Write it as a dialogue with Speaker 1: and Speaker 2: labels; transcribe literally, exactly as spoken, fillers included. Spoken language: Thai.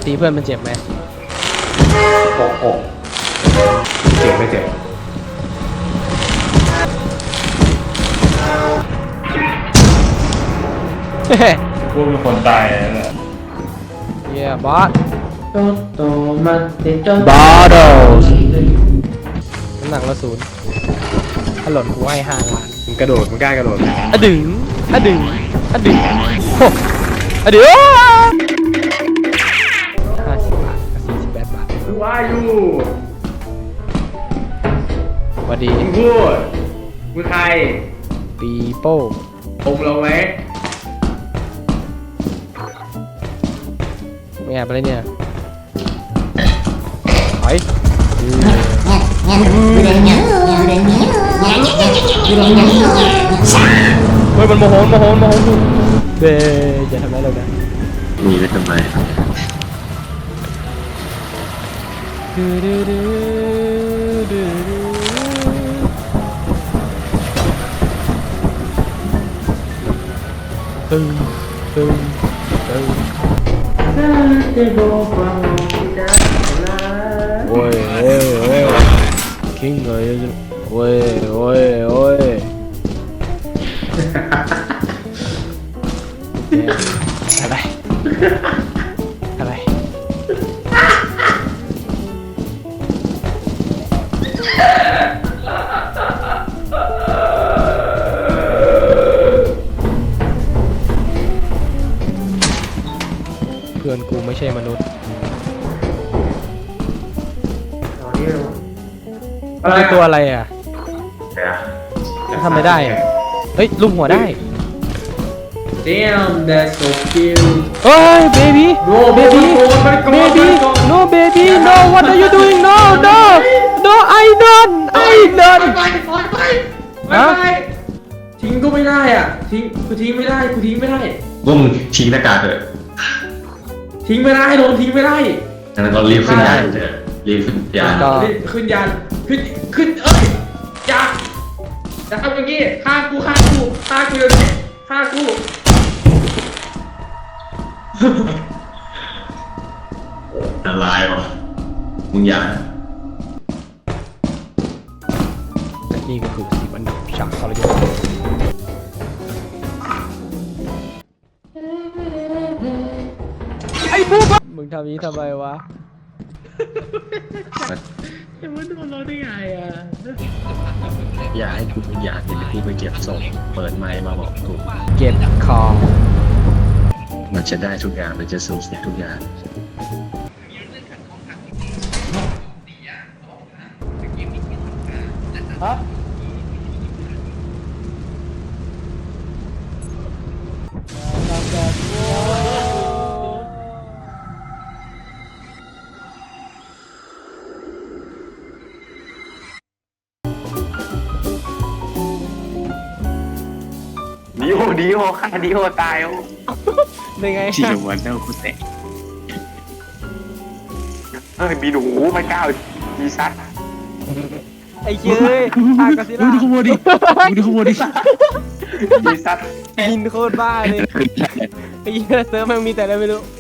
Speaker 1: ตีเพื่อนมันเจ็บไหม
Speaker 2: โอ้โหเจ็บไม่เจ็บ
Speaker 1: เฮ้ย
Speaker 3: พวกมีคนตายแล้วเนี่ย
Speaker 1: เย้บอส
Speaker 2: โตโตมาเตจอน
Speaker 1: บอสน้ำหนักละศูนย์ถ้าหล่นกูให้ห้าล้าน
Speaker 2: มึงกระโดดมึงกล้ากระโดด
Speaker 1: อะดึงอะดึงอะดึงโอ้อะดึงห้าสิบบาทกับสี่สิบแปดบาท
Speaker 2: คือว่าอยู่
Speaker 1: สวัสดี
Speaker 2: มึงพูดมึงใคร
Speaker 1: ปีโป้
Speaker 2: ผมลงไหม
Speaker 1: ไม่แอบอะไรเนี่ยไปเฮ้ยมันโมโหโมโหโมโหเบย์อย่าทำร้ายเรานะ
Speaker 4: มีไว้ทำไม
Speaker 1: ดูดูดูดูตึงตึงตึงโอ้ยโอ้ยโอ้ยคิงเลยโอ้ยโอ้ยโอ้ยอะไรอะไรเพื่อนกูไม่ใช่มนุษย์เป็นตัวอะไรอ่ะทำไม่ได้อ่ะเฮ้ยลุมหัวได้
Speaker 2: Damn that's so cute
Speaker 1: เฮ้ย baby
Speaker 2: No
Speaker 1: baby baby no baby no what are you doing no no no I don't I don't
Speaker 2: ไปไปไปไปไปทิ้งก็ไม่ได้อ่ะทิ้งกูทิ้งไม่ได้กูทิ้งไม่ได้
Speaker 4: ว่ามึงทิ้งหน้ากากเถอะ
Speaker 2: ทิ้งไม่ได้โดนทิ้งไม่ได้
Speaker 4: ดังนั้นก็รีบขึ้นยานเถอะรีบขึ้นยาน
Speaker 1: ก็
Speaker 2: ขึ้นยานขึ้นขึ้นเอ้ยอย่าอย่าทำอย่างงี้ฆ่ากูฆ่ากูฆ่ากูเดี๋ยวนี้ฆ่ากู
Speaker 4: ละลายวะมึงอย่า
Speaker 1: นี่ก็คือสีมันดับฉากทรยศไอ้พวกมึงทำนี้ทำไมวะ
Speaker 2: จะมาโดนเราได้ไงอ่ะ
Speaker 4: อย่าให้กูเป็นยานเดี๋ยวกูไปเก็บศพเปิดไมค์มาบอกกู
Speaker 1: เก็บของ
Speaker 4: มันจะได้ทุกอย่างมันจะสูญเสียทุกอย่าง
Speaker 5: ดิโอดิโอฆ่าดิโอตายโอ้
Speaker 1: ได้ไง
Speaker 5: ที่วันเดอร์คุณเตะเฮ้ยมีหนูไม่กล้ามีซัด
Speaker 1: ไอ้เย้ยทากาซิล่า
Speaker 5: ดูขโมยดิดูขโมยดิมีซัด
Speaker 1: กินโคตรบ้าเลยไอ้เหี้ยเซิร์ฟมันมีแต่อะไรไม่รู้